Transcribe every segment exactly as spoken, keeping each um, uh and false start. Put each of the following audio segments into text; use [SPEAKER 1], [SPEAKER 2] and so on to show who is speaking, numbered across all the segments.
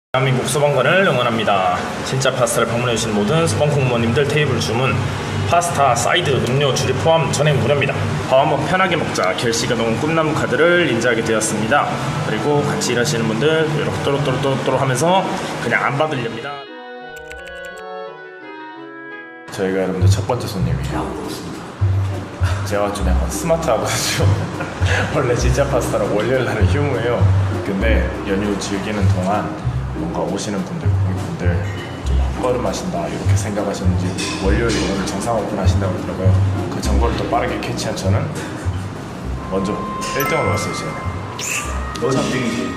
[SPEAKER 1] 대한민국 소방관을 응원합니다. 진짜 파스타를 방문해주신 모든 소방 공무원님들 테이블 주문 파스타, 사이드, 음료, 줄이 포함 전액 무료입니다. 밥 한번 편하게 먹자 결시가 넘은 꿈나무 카드를 인지하게 되었습니다. 그리고 같이 일하시는 분들 이렇게 또로또로또로 하면서 그냥 안 받으렵니다. 저희가 여러분들 첫 번째 손님이에요. 제가 좀 약간 스마트하거든요. 원래 진짜 파스타는 월요일날은 휴무예요. 근데 연휴 즐기는 동안 뭔가 오시는 분들, 고객분들 좀 헛걸음하신다 이렇게 생각하시는지 월요일에 오늘 정상 오픈하신다고 그러더라고요. 그 정보를 또 빠르게 캐치한 저는 먼저 일 등으로 왔어요. 지금 너 삼 등이지.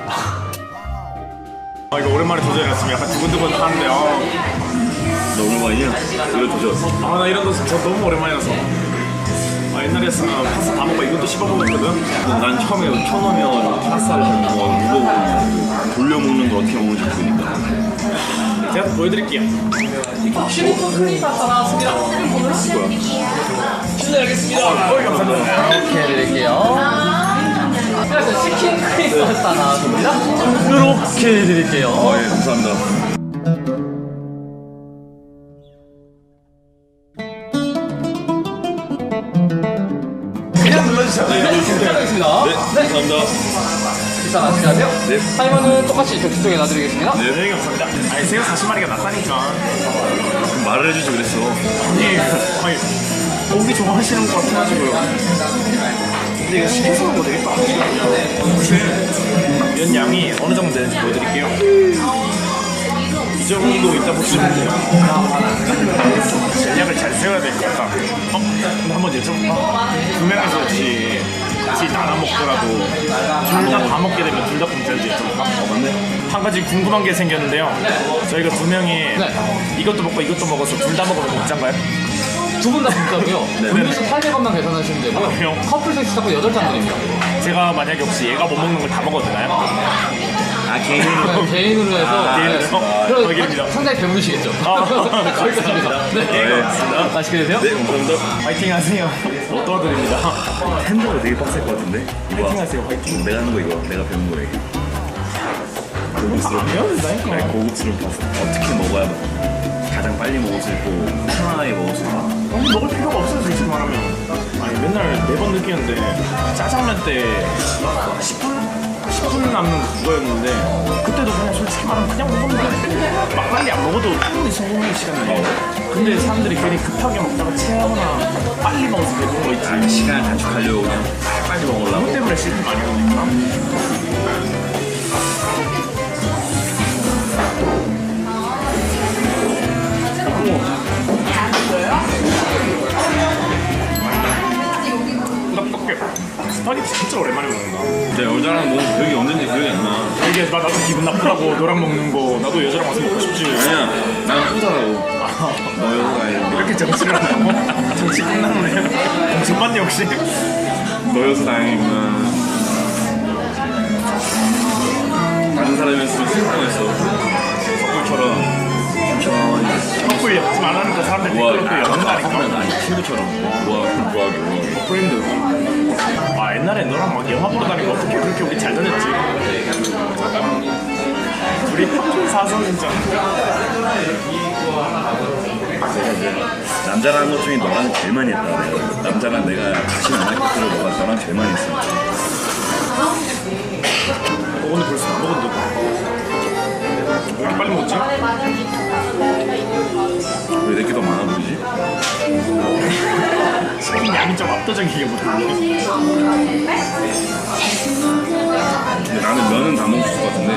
[SPEAKER 1] 아 이거 오랜만에 도전해봤으면 약간 두근두근 하는데 아.
[SPEAKER 2] 너 오랜만이야? 이거 도전.
[SPEAKER 1] 아 나 이런 거 저 너무 오랜만이라서 아 옛날에는 파스타 다 먹고 이것도 씹어 먹었거든.
[SPEAKER 2] 난 처음에 처음이면 파스타를 잘 먹어. 이거 돌려 먹는 거 어떻게 먹는지 모르니까.
[SPEAKER 1] 제가 보여드릴게요.
[SPEAKER 3] 시리콘 크림 파스타 나왔습니다.
[SPEAKER 2] 이거야.
[SPEAKER 3] 실례하겠습니다.
[SPEAKER 1] 어이 감사합니다.
[SPEAKER 3] 이렇게 해드릴게요. 그래서 치킨 크림 파스타 나왔습니다. 이렇게 해드릴게요.
[SPEAKER 2] 아, 예, 감사합니다.
[SPEAKER 3] 그냥 눌러주세요. 네, 실례하겠습니다.
[SPEAKER 2] 네, 감사합니다.
[SPEAKER 3] 일단 아시나요?
[SPEAKER 2] 네.
[SPEAKER 3] 타이머는 똑같이 격수 쪽에 놔드리겠습니다.
[SPEAKER 2] 네.
[SPEAKER 1] 네 감사합니다. 아니 새우 사십 마리가 낫다니까.
[SPEAKER 2] 그럼 말을 해주지 그랬어.
[SPEAKER 1] 아니 아니 고기 좋아하시는 것 같아가지고요. 근데 이거 시켜서 먹어도 되겠다. 혹시 면 양이 어느 정도 되는지 보여드릴게요. 이 정도 있다 보시면 돼요. 전략을 잘 세워야 될 것 같다. 어? 근데 한번 여쭤볼까? 두 명이서 같이 같이 나눠 먹더라도 둘 다 다 먹게 되면 둘 다 공짜인지 여쭤볼까? 어, 맞네. 한 가지 궁금한 게 생겼는데요. 저희가 두 명이
[SPEAKER 3] 네.
[SPEAKER 1] 이것도 먹고 이것도 먹어서 둘 다 먹으면 공짜인가요?
[SPEAKER 3] 두 분 다 공짜고요. 음료수 팔백 원만 계산하시면 되고요.
[SPEAKER 1] 아, 그래요?
[SPEAKER 3] 커플 섹시 잡고 여덟 잔 드립니다.
[SPEAKER 1] 제가 만약에 혹시 얘가 못 먹는 걸 다 먹어도 되나요?
[SPEAKER 2] 아, 개인으로.
[SPEAKER 3] 네, 개인으로 해서
[SPEAKER 1] 아, 개인으로 해서?
[SPEAKER 3] 네. 그럼
[SPEAKER 1] 거기입니다.
[SPEAKER 3] 상당히 배부르시겠죠?
[SPEAKER 1] 아,
[SPEAKER 3] 거기까지입니다. 네.
[SPEAKER 2] 네.
[SPEAKER 3] 맛있게 드세요.
[SPEAKER 2] 네, 감사합니다.
[SPEAKER 1] 파이팅 하세요. 못 도와드립니다.
[SPEAKER 2] 핸드가 되게 빡셀 것 같은데? 이거
[SPEAKER 1] 파이팅 하세요, 파이팅.
[SPEAKER 2] 내가 하는 거 이거. 내가 배운 거 이게. 고급스러운.
[SPEAKER 1] 안 배워도
[SPEAKER 2] 아니,
[SPEAKER 1] 된다니까.
[SPEAKER 2] 고급스러운 파스타. 어떻게 먹어야 가장 빨리 먹을 수 있고 편안하게 먹을 수 있나?
[SPEAKER 1] 아니, 먹을 필요가 없어요, 솔직히 말하면. 아니, 맨날 매번 느끼는데 짜장면 때 십 분? 십 분 남는 그거였는데 그때도 그냥 솔직히 말하면 그냥 먹었는데 막 빨리 안 먹어도 충분히 성공할 시간이 나요. 근데 사람들이 괜히 급하게 먹다가 체하거나 빨리 먹어서 배부른 거 있지.
[SPEAKER 2] 아, 시간을 단축하려고 그냥 빨리 먹으려고.
[SPEAKER 1] 그것 때문에 실패 많이 하니까. 떡볶이 스파게티 진짜 오랜만에 먹는다.
[SPEAKER 2] 진짜 여자랑 뭐 기억이 언제인지 기억이 안 나.
[SPEAKER 1] 이게 나 나도 기분 나쁘다고 너랑 먹는 거 나도 여자랑 와서 먹고 싶지.
[SPEAKER 2] 아니야, 나는 후자라고. 너 여자가 아니고.
[SPEAKER 1] 이렇게 정치를 한다고? 정치 끝났네. 정치반이 혹시?
[SPEAKER 2] 너 여자 다행이구나. 다른 사람이었으면 슬퍼했어. 덕분처럼 천천히.
[SPEAKER 1] 커플 지금 안 하니까 사람들
[SPEAKER 2] 우와,
[SPEAKER 1] 댓글로 또 연다니까.
[SPEAKER 2] 아니 친구처럼. 우와, 우아하게, 우아하게.
[SPEAKER 1] 프렌드. 아 옛날에 너랑 막 영화 보러 다니고 어떻게 그렇게 우리 잘 다녔지? 우리 학교 사서 진짜.
[SPEAKER 2] 남자랑 한것 중에 너랑 제일 많이 했다. 내가. 남자랑 내가 다시 만날 것들을 너가 너랑 제일 많이 했어.
[SPEAKER 1] 어, 오늘 벌써 다 먹었는데 왜 이렇게 빨리 먹지?
[SPEAKER 2] 왜 내게 더 많아 보이지?
[SPEAKER 1] 치킨 양이 좀 압도적이게 못하네.
[SPEAKER 2] 근데 나는 면은 다 먹을 수 있을 것 같은데.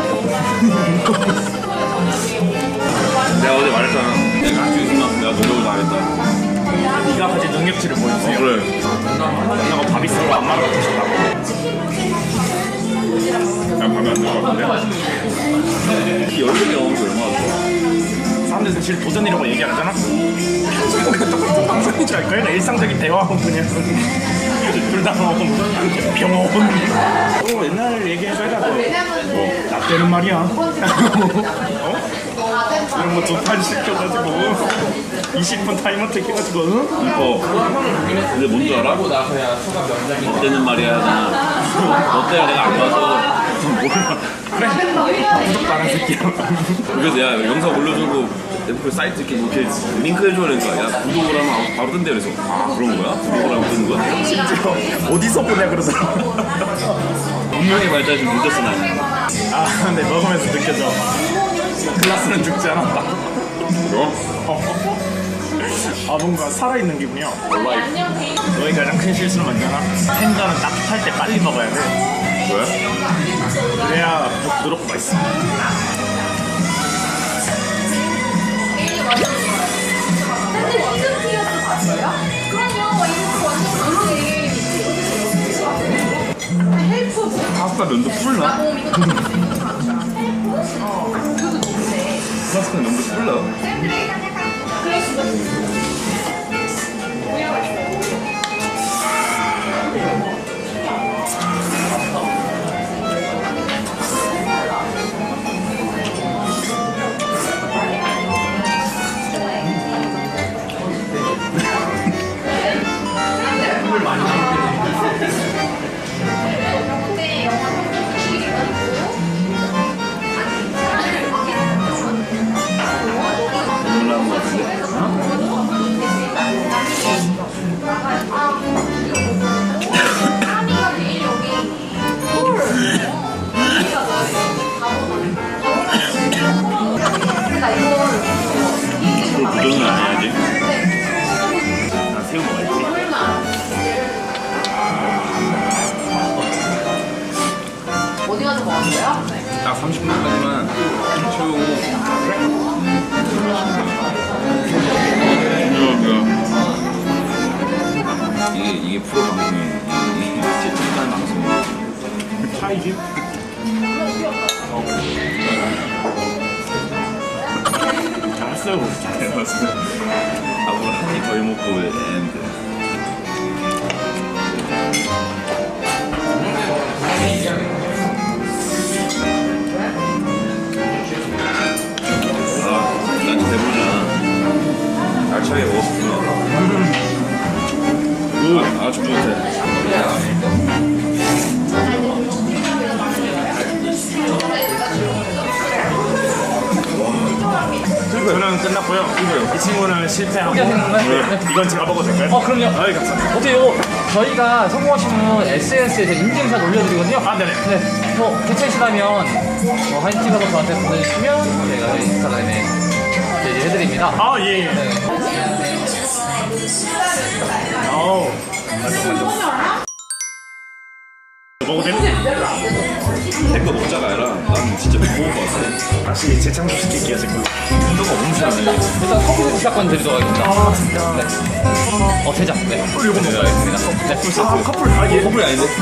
[SPEAKER 2] 내가 어제 말했잖아. 내가 할수 있으면 내가 노력을 다 하겠다.
[SPEAKER 1] 네가 가진 능력치를 보여주세요.
[SPEAKER 2] 그래.
[SPEAKER 1] 너가 밥 있으면 안 말하고 싶다고.
[SPEAKER 2] 난 밤에 안 될 것 같은데? 이 열심히 먹으면서 얼마나 좋아.
[SPEAKER 1] 사람들 사실 도전이라고 얘기 안 하잖아? 평소에 똑같은 방송인 줄 알걸? 일상적인 대화하고 그냥 둘 다 먹으면 병원 어, 옛날 얘기해줘야 돼. 뭐, 나 때는 말이야. 어? 이런 거 두 판 시켜가지고 이십 분 타이머 택해가지고 응?
[SPEAKER 2] 이뻐. 근데 뭔 줄 알아? 너 때는 말이야. 너 때문에 내가 안 봐서 몰라.
[SPEAKER 1] 그래. 구독도 안 한 새끼야.
[SPEAKER 2] 그래서 야 영상 올려주고 그 사이트 이렇게 뭐 이렇게 링크 해줘 그러니까 야 구독을 하면 바로 뜬대 그래서 아 그런 거야? 구독을 하면 뜨는 거야?
[SPEAKER 1] 심지어 어디서 보냐 그러더라.
[SPEAKER 2] 운명의 발전이 좀 늦었어 나.
[SPEAKER 1] 아 근데 먹으면서 느껴져. 글라스는 죽지 않았다.
[SPEAKER 2] 그럼?
[SPEAKER 1] 아 뭔가 살아있는 기분이야. 너희 가장 큰 실수는 뭔지알아? 생선은 따뜻할 때 빨리 먹어야 돼.
[SPEAKER 2] 왜?
[SPEAKER 1] 그래야 부드럽고 맛있어.
[SPEAKER 4] 근데 미즈피어스 봤어요? 그럼요. 이거 완전 그러게. 헬프 뭐?
[SPEAKER 2] 파스타 면도 풀나?
[SPEAKER 4] 어, 이거 헬프? 어. 그것도 좋은데.
[SPEAKER 2] 파스타 면도 풀나?
[SPEAKER 4] 그럴 수도 있어.
[SPEAKER 2] 놀라운 거 같은데? 그걸 부정은 안 해야지. 난 새우 먹어야지.
[SPEAKER 4] 어디 가서 먹었어요?
[SPEAKER 2] 딱 삼십 분까지만 채우고 이게 이게 프로 방송이에요. 이게 진짜 찐한 방송이에요.
[SPEAKER 1] 차이지? 잘했어요.
[SPEAKER 2] 잘해봤어. 앞으로 한 입 더 먹고 엔드. 아, 난 배부르잖아. 알차게 먹었구나. 아, 아주 좋대.
[SPEAKER 1] 저는 끝났고요. 이 친구는 실패하고.
[SPEAKER 3] 네.
[SPEAKER 1] 이건 제가 먹어도 될까요?
[SPEAKER 3] 어 그럼요.
[SPEAKER 1] 아이 감사합니다.
[SPEAKER 3] 어제 요 저희가 성공하시면 에스엔에스에 인증샷 올려드리거든요.
[SPEAKER 1] 아 네네.
[SPEAKER 3] 네. 뭐 괜찮으시다면 뭐 사진 찍어서 저한테 보내주시면 저희가 인스타그램에 제지해드립니다.
[SPEAKER 1] 아 예. 예.
[SPEAKER 3] 네.
[SPEAKER 1] 아우. 만족 만족. 먹어도 돼요?
[SPEAKER 2] 내거 먹자가 아니라 난 진짜 못 먹을 것 같아.
[SPEAKER 1] 다시 재창조시킬게요 제 걸로.
[SPEAKER 2] 너가 엄청 잘해.
[SPEAKER 3] 일단 커피 시작권 드리도록 하겠습니다.
[SPEAKER 1] 아 진짜.
[SPEAKER 3] 네. 어 제작. 네.
[SPEAKER 1] 이거 먹어야겠습니다.
[SPEAKER 3] 네.
[SPEAKER 1] 아 커플 다 예.
[SPEAKER 2] 커플이 아닌데?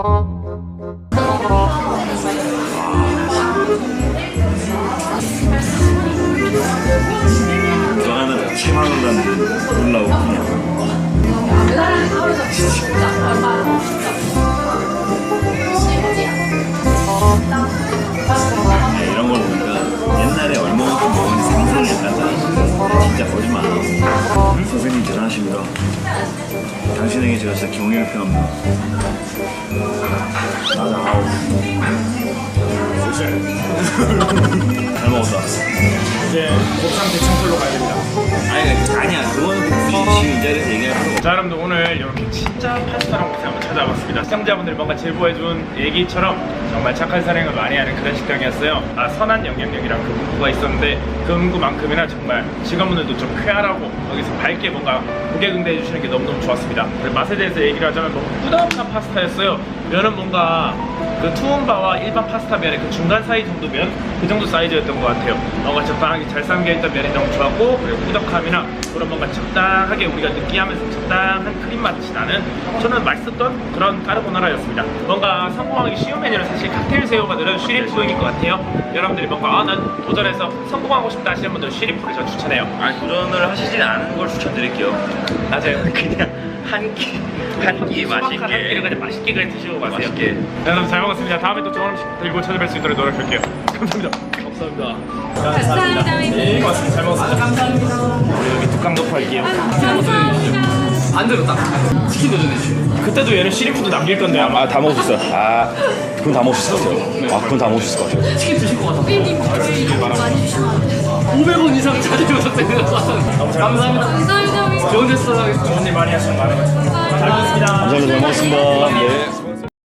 [SPEAKER 2] 너 하나 칠만 원 받는 놀라워 그냥. 야, 이런 걸 보니까 옛날에 얼마만큼 먹었는지 상상을 했다잖아. 진짜 거짓말 안 하고. 선생님 대단하십니다. 당신에게 제가 진짜 경의를 표합니다.
[SPEAKER 1] 맞아. 아우.
[SPEAKER 2] 잘 먹었다.
[SPEAKER 1] 이제 곱창 대창풀로 가야 됩니다.
[SPEAKER 2] 아니, 아니야. 그거는 굳이 지금 이 자리에서 얘기할 필요가 없어.
[SPEAKER 1] 자 여러분들 오늘 이렇게 진짜 파스타랑 곱창 한번 찾아봤습니다. 시청자분들 뭔가 제보해준 얘기처럼 정말 착한 사랑을 많이 하는 그런 식당이었어요. 아 선한 영향력이랑 그 문구가 있었는데 그 문구만큼이나 정말 직원분들도 좀 쾌활하고 여기서 밝게 뭔가 고개 응대해 주시는 게 너무너무 좋았습니다. 그리고 맛에 대해서 얘기를 하자면 너무 꾸덕한 파스타였어요. 면은 뭔가 그 투움바와 일반 파스타 면의 그 중간 사이 정도 면? 그 정도 사이즈였던 것 같아요. 뭔가 적당하게 잘 삶겨있던 면이 너무 좋았고 그리고 꾸덕함이나 그런 뭔가 적당하게 우리가 느끼하면서 적당한 크림 맛이 나는 저는 맛있었던 그런 까르보나라였습니다. 뭔가 성공하기 쉬운 메뉴는 사실 칵테일 새우가 들은 쉬리푸인 것 같아요. 여러분들이 뭔가 아, 난 도전해서 성공하고 싶다 하시는 분들은 쉬리푸를 저 추천해요.
[SPEAKER 2] 아니, 도전을 하시진 않은 걸 추천드릴게요.
[SPEAKER 1] 맞아요. 그냥 한 끼,
[SPEAKER 2] 한 끼 맛있게.
[SPEAKER 1] 한 끼를 그냥 맛있게 그냥 드시고 가세요.
[SPEAKER 2] 맛있게.
[SPEAKER 1] 네, 여러분 잘 먹었습니다. 다음에 또 좋은 음식 들고 찾아뵐 수 있도록 노력할게요. 감사합니다. 감사합니다. 감사합니다. 네, 고맙습니다. 잘 먹었습니다. 감사합니다. 우리 여기 뚝강 덮어 할게요.
[SPEAKER 4] 감사합니다.
[SPEAKER 3] 반대로 딱 치킨 도전해주세요.
[SPEAKER 1] 그때도 얘는 시리푸드 남길 건데 아마.
[SPEAKER 2] 아, 다 먹을 수 있어요. 아, 그건 다 먹을 수 있을 것 같아요. 아, 그건 다 먹을 수 있을 것 같아요.
[SPEAKER 3] 치킨 드실 것 같아서
[SPEAKER 4] 피디님 많이 주시면 안 돼요?
[SPEAKER 3] 오백 원 이상 자주 부탁드립니다. 감사합니다.
[SPEAKER 4] 감사합니다.
[SPEAKER 3] 좋은 데서 하겠습니다.
[SPEAKER 1] 좋은 일 많이 하시는 바람에 잘 먹겠습니다.
[SPEAKER 2] 감사합니다. 잘 먹었습니다. 네.